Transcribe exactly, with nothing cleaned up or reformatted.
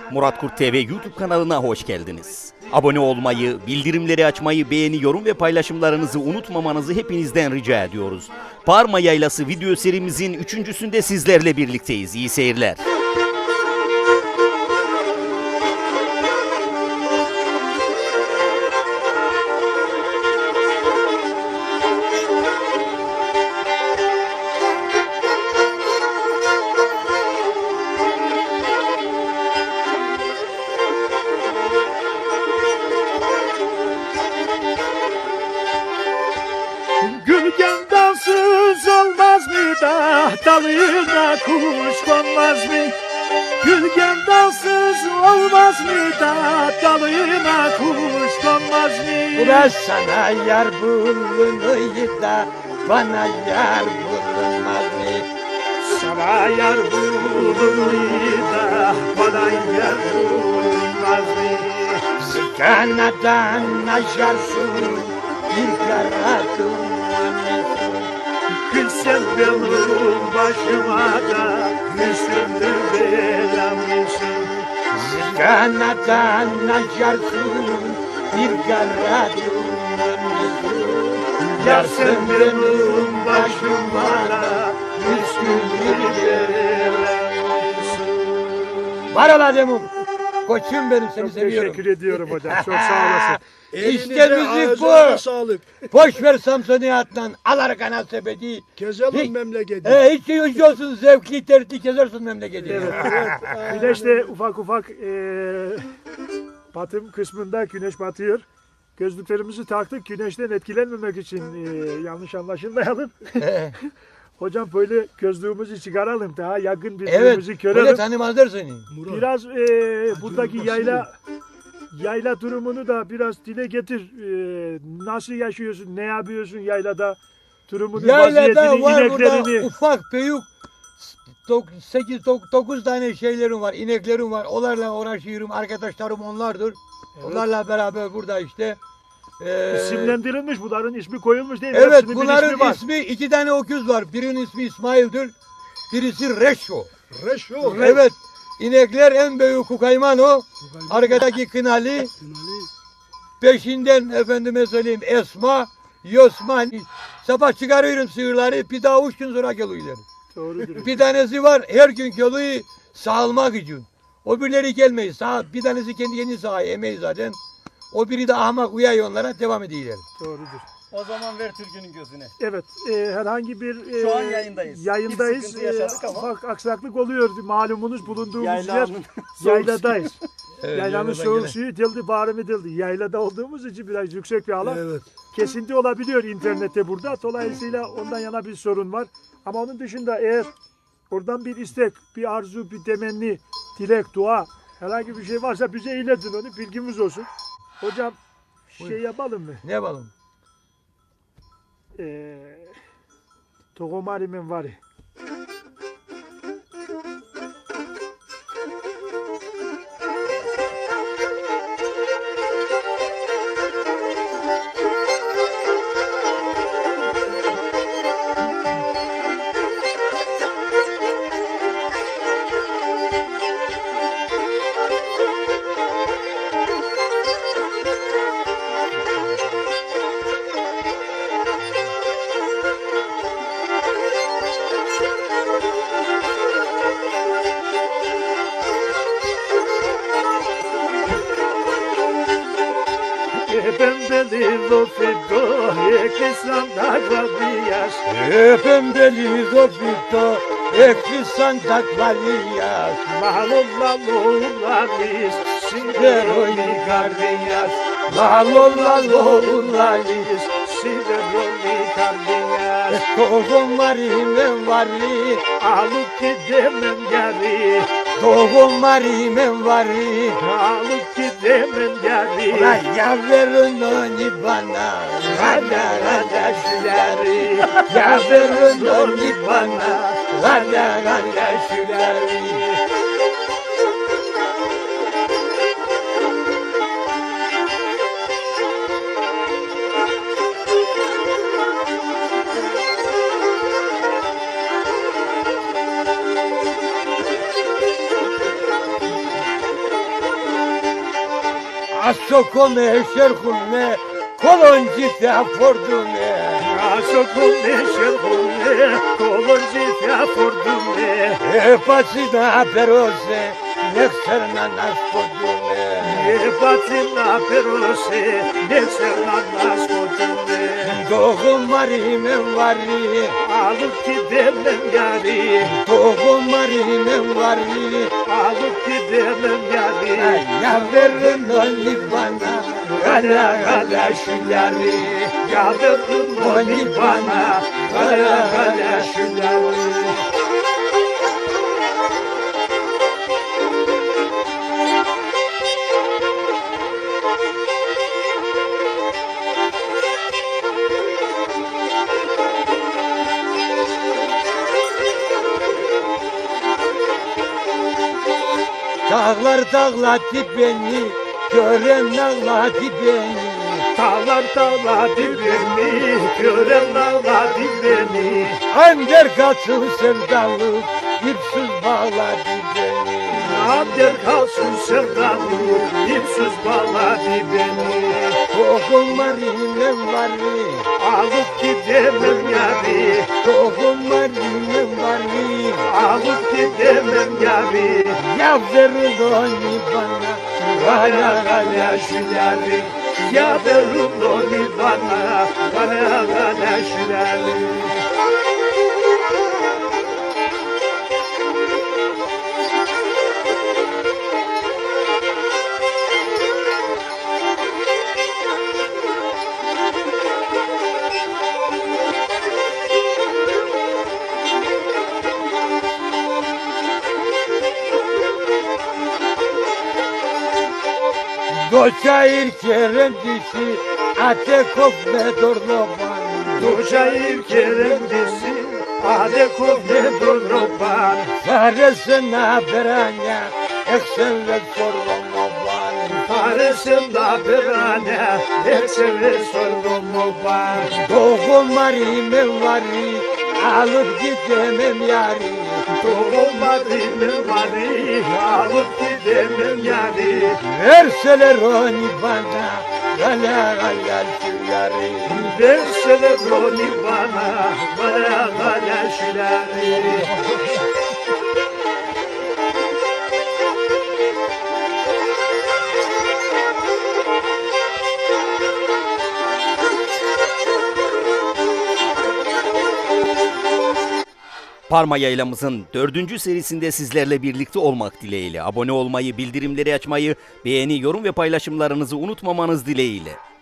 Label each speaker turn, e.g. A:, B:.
A: Murat Kurt T V YouTube kanalına hoş geldiniz. Abone olmayı, bildirimleri açmayı, beğeni, yorum ve paylaşımlarınızı unutmamanızı hepinizden rica ediyoruz. Parma Yaylası video serimizin üçüncüsünde sizlerle birlikteyiz. İyi seyirler.
B: Gülgen dalsız olmaz mı da dalına kuş konmaz mı? Gülgen dalsız olmaz mı da dalına kuş konmaz mı?
C: Ula sana yar bulunuydu da bana yar bulunmaz mı?
B: Sana yar bulunmayı da bana yar bulunmaz mı?
C: Sıkanadan aşarsın bir kara dumanısın.
B: Gülsen benim başıma da üstümdür belamısın.
C: Sıkanadan aşarsın bir kara dumanısın.
B: Yar sen benim başıma da üstümdür belamısın.
C: Var ola demum. Koçum benim, seni
B: Çok
C: seviyorum.
B: teşekkür ediyorum hocam. Çok sağ olasın.
C: İşte müzik bu.
D: Ağzına sağlık.
C: Boş ver Samsuniyat'tan. Al arkana sepeti.
D: Gezelim
C: Hiç-
D: memleketi.
C: E, hiç hiç olsun, zevkli tertli gezersin memleketi.
B: Evet.
D: Evet.
B: Güneş de ufak ufak eee batım kısmında güneş batıyor. Gözlüklerimizi taktık güneşten etkilenmemek için, eee, yanlış anlaşılmayalım. Hocam böyle gözlüğümüzü çıkaralım, daha yakın
C: Evet,
B: birbirimizi
C: öyle
B: görelim.
C: tanımazlar seni.
D: Murat,
B: Biraz eee, buradaki
D: basın
B: yayla yayla durumunu da biraz dile getir. Eee, nasıl yaşıyorsun, ne yapıyorsun yaylada? Durumunu,
C: Yaylada
B: vaziyetini,
C: var burada
B: ineklerini.
C: ufak büyük sekiz dokuz tane şeylerim var, ineklerim var. Onlarla uğraşıyorum. Arkadaşlarım onlardır. Onlarla beraber burada işte. Ee,
B: İsimlendirilmiş, bunların ismi koyulmuş değil mi?
C: Evet,
B: Hepsinin bir
C: bunların
B: ismi var.
C: ismi, iki tane öküz var. Birinin ismi İsmail'dir. Birisi Reşo.
D: Reşo.
C: Evet. İnekler en büyük Kukayman o. Arkadaki Kınali. Peşinden efendime söyleyeyim Esma, Yosman. Sabah çıkarıyorum sığırları, bir daha üç gün sonra geliyorlar.
B: Doğrudur.
C: Bir tanesi var, her gün geliyor sağılmak için. O birileri gelmeyi sağ, bir tanesi kendi kendini sağıyor, emeği zaten. O biri de ahmak uyuyor onlara, devam ediyorlar.
B: Doğrudur.
E: O zaman ver Türk'ünün gözüne.
B: Evet, e, herhangi bir e,
E: Şu an yayındayız.
B: Yayındayız.
E: Bir sıkıntı yaşadık
B: E,
E: ama.
B: ufak aksaklık oluyor. Malumunuz bulunduğumuz yer
E: Yaylanın
B: yayladayız.
C: Evet,
B: Yaylanın
C: yayladan
B: soğuk
C: gelen.
B: suyu dildi, bağrımı dildi. Yaylada olduğumuz için biraz yüksek bir alan.
D: Evet.
B: Kesinti olabiliyor internette burada. Dolayısıyla ondan yana bir sorun var. Ama onun dışında eğer oradan bir istek, bir arzu, bir temenni, dilek, dua, herhangi bir şey varsa bize iletin onu, bilgimiz olsun. Hocam şey
C: Buyur.
B: yapalım mı?
C: Ne yapalım?
B: Ee, Tohumarimin var. Pembeli lofido, ekisam da gvadiyas.
C: Pembeli zofito, ekli santak valiyas.
B: Malolla lolalis,
C: Veroni gardiyas. Malolla lolalis.
B: sideroni kardiyas.
C: Tohum varimem vari,
B: Alıp gidemem yari,
C: tohum varimem vari.
B: alıp gidemem yari.
C: Ulan ya verin onu bana, rada rada şüleri. Ya verin onu bana, rada rada şüleri. Asso come scercune, colongi te fortune.
B: Aso come scercune, colongi te fortune.
C: E pacina perose, nexerna nascodune.
B: E patina perose, nexerna nascodune.
C: Doğum marime vari,
B: Alıp gidemem yari,
C: doğum marime vari.
B: alıp gidemem yari.
C: Ya verin onu bana, gala gala şüleri.
B: Yadırdım onu bana, gala gala şüleri.
C: Dağlar dağladı beni, gören ağladı beni.
B: Dağlar dağladı beni, gören ağladı beni.
C: Ander kaçın sevdalık, ipsiz bağladı beni.
B: Ander kalsın sevdalı, ipsiz bağladı beni.
C: Tohum marinem varı,
B: Alıp gidemem yari,
C: tohum marinem varı.
B: alıp gidemem yari.
C: Ya verin onu bana,
B: Gala gala şüleri, ya verin onu bana, gala gala şüleri.
C: doçayır kerem dişi, ate kopme dorloman.
B: Doşayır keremdisi, ade kofne durnoban.
C: Çaresine beranya, eksen ve sorma ban.
B: Paresinde birane, ekseve sordum oban.
C: Tohum marime varı, alıp gidemem yari.
B: Doğulmadığını bari, alıp gidemem yani.
C: Verseler onu bana, gala gala şüleri.
B: Verseler onu bana, bana bana şüleri.
A: Parma Yaylamızın dördüncü serisinde sizlerle birlikte olmak dileğiyle. Abone olmayı, bildirimleri açmayı, beğeni, yorum ve paylaşımlarınızı unutmamanız dileğiyle.